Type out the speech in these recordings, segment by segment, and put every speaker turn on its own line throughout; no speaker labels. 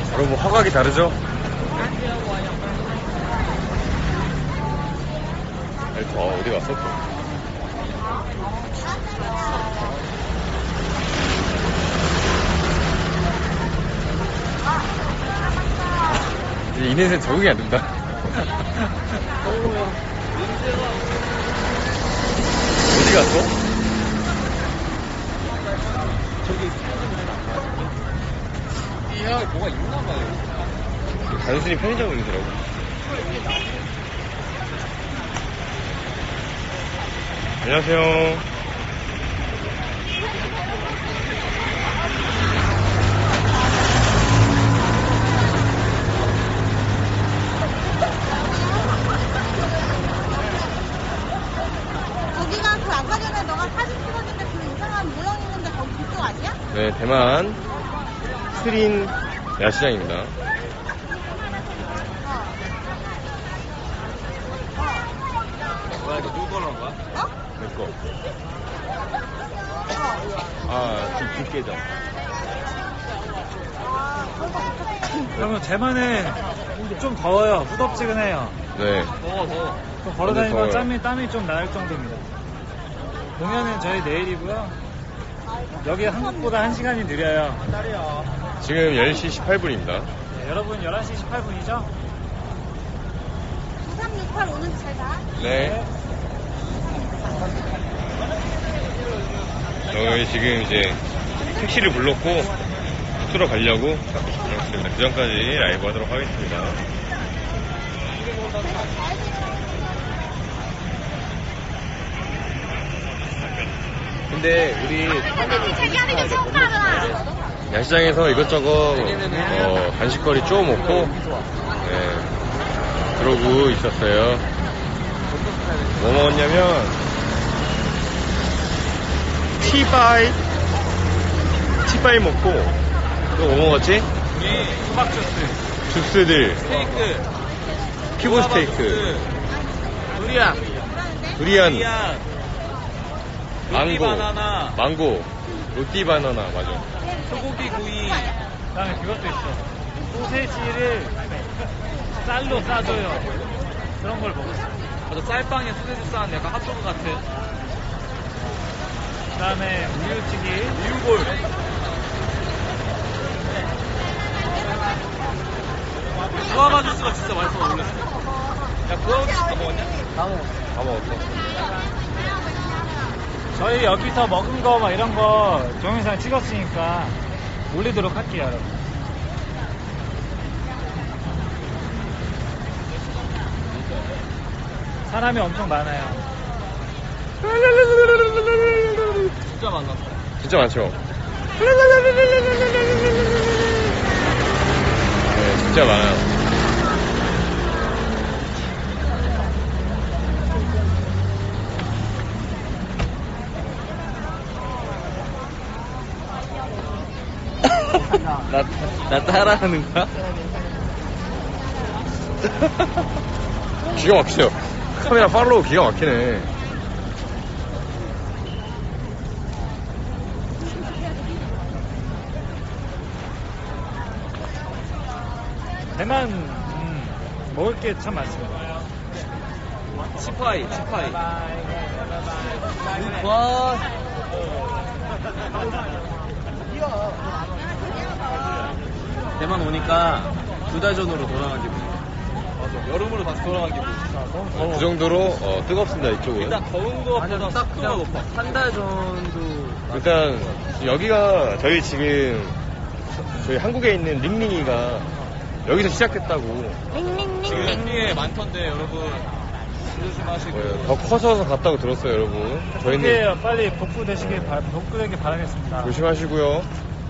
여러분 화각이 다르죠? 어디 갔어 또? 이 인터넷에 적응이 안 된다. 어디 갔어?
저기 이야 뭐가 있나봐요.
단순히 편의점 인쇄라고. 안녕하세요.
거기가 그 아까 전에 너가 사진 찍었을 때 그 이상한 모양 있는데 거기 그쪽 아니야?
네, 대만 스린 야시장입니다.
뭐야 이거 누구 걸어온 거야?
어?
내 거. 아, 뒷계정.
그러면 대만에 좀 더워요. 후덥지근해요.
네.
더워.
좀 걸어다니면
더워요.
땀이 좀 날 정도입니다. 공연은 저희 내일이고요. 여기 한국보다 1시간이 느려요.
지금 10시 18분입니다.
네, 여러분 11시 18분이죠?
9368 오는 잘 가.
네. 저희 지금 이제 택시를 불렀고 숙소로 가려고 그렇습니다. 그 전까지 라이브 하도록 하겠습니다. 근데 우리 야시장에서 이것저것 간식거리 쪼 먹고 그러고 있었어요. 뭐 먹었냐면 티바이 먹고 또 뭐 먹었지?
우리 수박 주스,
주스들,
스테이크,
큐브 스테이크, 두리안, 망고,
바나나,
망고, 로띠 바나나, 맞아.
소고기 구이.
그다음에 그것도 있어. 소세지를 쌀로 싸줘요. 그런 걸 먹었어요.
맞아, 쌀빵에 소세지 싸는 약간 핫도그 같은.
그다음에 우유튀기,
우유볼. 구아바 주스가 진짜 맛있어 놀랐어. 야 구아바 주스 다 먹었냐?
다 먹었어.
저희 여기서 먹은 거 막 이런 거 동영상 찍었으니까 올리도록 할게요, 여러분. 사람이 엄청 많아요.
진짜 만났어.
진짜 많죠? 네, 진짜 많아요.
나 따라하는 거야?
기가 막히죠? 카메라 팔로우 기가 막히네.
대만 먹을 게 참 많습니다.
치파이. 와. 대만 오니까 2달 전으로 돌아간 기분. 맞아. 여름으로 다시 돌아간 기분.
너무 더워.
그 정도로 뜨겁습니다, 이쪽은.
일단 더운 거보다
딱
습도가 높아. 한 달 전도.
일단 여기가 저희 지금 저희 한국에 있는 링링이가 여기서 시작했다고.
지금 링리에 많던데 여러분 조심하시고.
더 커져서 갔다고 들었어요, 여러분. 저희는
복구해요. 빨리 복구되길 바라겠습니다.
조심하시고요.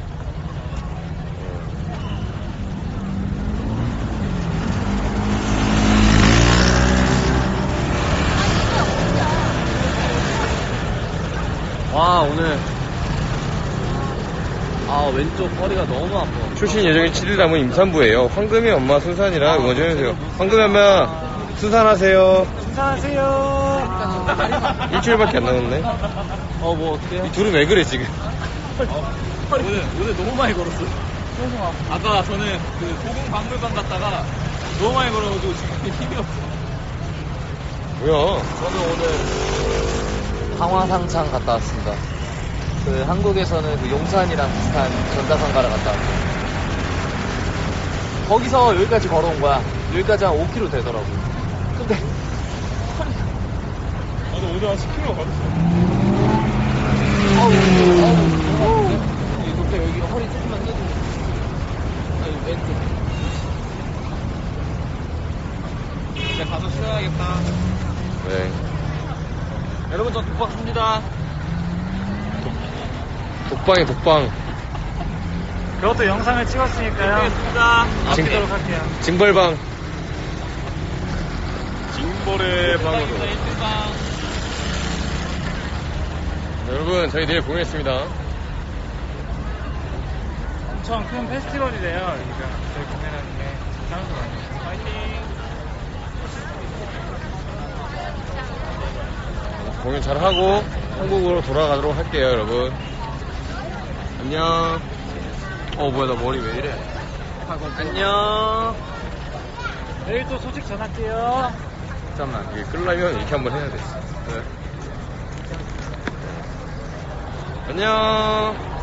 와 오늘 왼쪽 허리가 너무 아파.
출신 예정인 7일 남은 임산부예요. 황금이 엄마 순산이라 응원 좀 해주세요. 황금이 엄마 순산하세요.
안녕하세요.
일주일밖에 안 남았네.
뭐 어떡해?
이 둘은 왜 그래 지금?
오늘 너무 많이 걸었어.
계속 와.
아까 저는 그 도궁박물관 갔다가 너무 많이 걸어가지고 지금 힘이 없어.
뭐야?
저는 오늘 강화상창 갔다 왔습니다. 그 한국에서는 그 용산이랑 비슷한 전자상가를 갔다 왔고 거기서 여기까지 걸어온 거야. 여기까지 한 5km 되더라고. 근데
나도 오늘 한 10km 걸었어.
아우 갑자기 여기 허리 조금만 떼도 아니 왼쪽
이제 가서 쉬어야겠다.
네.
여러분 저 독박 씁니다.
독방이 독방.
그것도 영상을 찍었으니까요.
씁니다.
찍도록 할게요.
징벌방. 징벌의 방으로. 여러분, 저희 내일 공연했습니다.
엄청 큰 페스티벌이래요. 여기가 저희 공연하는 게 사람도 많아요. 파이팅!
공연 잘 하고 한국으로 돌아가도록 할게요, 여러분. 안녕. 뭐야, 나 머리 왜 이래?
안녕.
내일 또 소식 전할게요.
잠깐만, 이게 끌려면 이렇게 한번 해야 돼. 네. 안녕.